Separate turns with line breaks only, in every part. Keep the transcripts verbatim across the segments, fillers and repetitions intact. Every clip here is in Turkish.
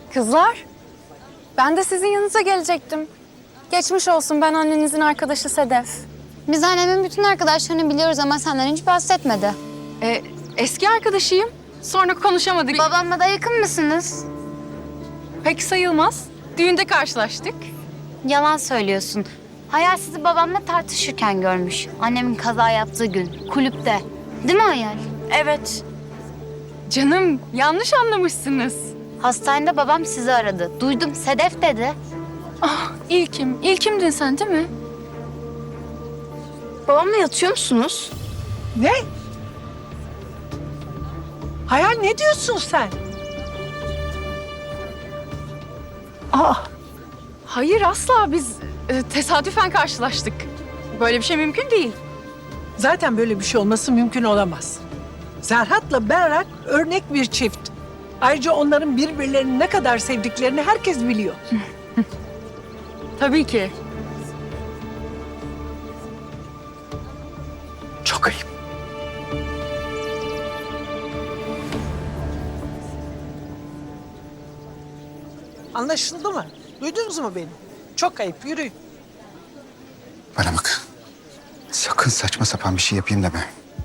Kızlar, ben de sizin yanınıza gelecektim. Geçmiş olsun, ben annenizin arkadaşı Sedef.
Biz annemin bütün arkadaşlarını biliyoruz ama senden hiç bahsetmedi.
Ee, eski arkadaşıyım. Sonra konuşamadık.
Babamla da yakın mısınız?
Pek sayılmaz. Düğünde karşılaştık.
Yalan söylüyorsun. Hayal sizi babamla tartışırken görmüş. Annemin kaza yaptığı gün, kulüpte. Değil mi Hayal?
Evet. Canım, yanlış anlamışsınız.
Hastanede babam sizi aradı. Duydum, Sedef dedi.
Ah, İlkim. İlkimdin sen değil mi?
Babamla yatıyor musunuz?
Ne? Hayal ne diyorsun sen? Aa,
Hayır, asla. Biz e, tesadüfen karşılaştık. Böyle bir şey mümkün değil.
zaten böyle bir şey olması mümkün olamaz. Serhat'la Berrak örnek bir çift. Ayrıca onların birbirlerini ne kadar sevdiklerini herkes biliyor.
Tabii ki.
Çok ayıp. Anlaşıldı mı? Duydunuz mu beni? Çok ayıp, yürüyün.
Bana bak. Sakın saçma sapan bir şey yapayım deme.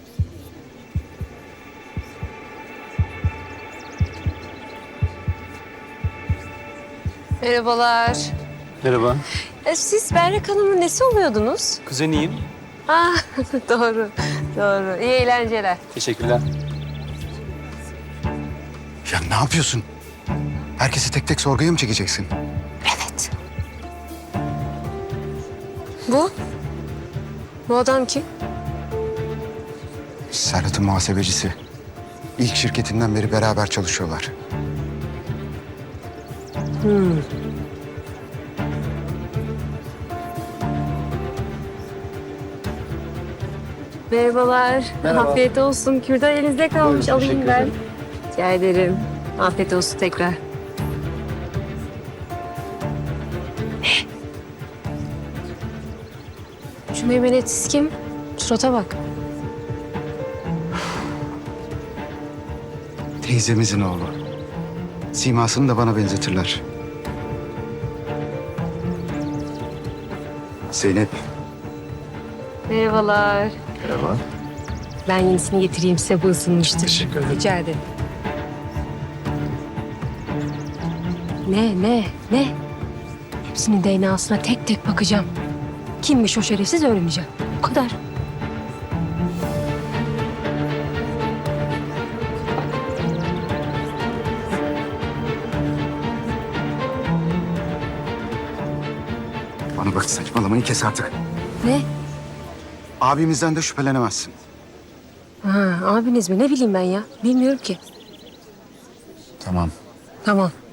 Merhabalar.
Merhaba.
E, siz Berrak Hanım'ın nesi oluyordunuz?
Kuzeniyim.
Ah, doğru, doğru. İyi eğlenceler.
Teşekkürler.
Ya ne yapıyorsun? Herkesi tek tek sorguya mı çekeceksin?
Evet. Bu? Bu adam kim?
Serhat'ın muhasebecisi. İlk şirketinden beri beraber çalışıyorlar.
Merhabalar.
Merhaba.
Afiyet olsun. Kürdan elinizde kalmış.
Buyurun,
Alayım
teşekkür
ben.
ederim.
Rica ederim. Afiyet olsun tekrar. Şu meymenetsiz kim? Surata bak.
Teyzemizin oğlu. Simasını da bana benzetirler. Zeynep.
Merhabalar.
Merhaba.
Ben yenisini getireyim size, bu ısınmıştır.
Teşekkür ederim.
Rica ederim. Ne, ne, ne? Hepsinin D N A'sına tek tek bakacağım. Kimmiş o şerefsiz öğreneceğim. Bu kadar.
Bana bak, saçmalamayı kes artık.
Ne?
Abimizden de şüphelenemezsin.
Ha, abiniz mi? Ne bileyim ben ya. Bilmiyorum ki.
Tamam.
Tamam.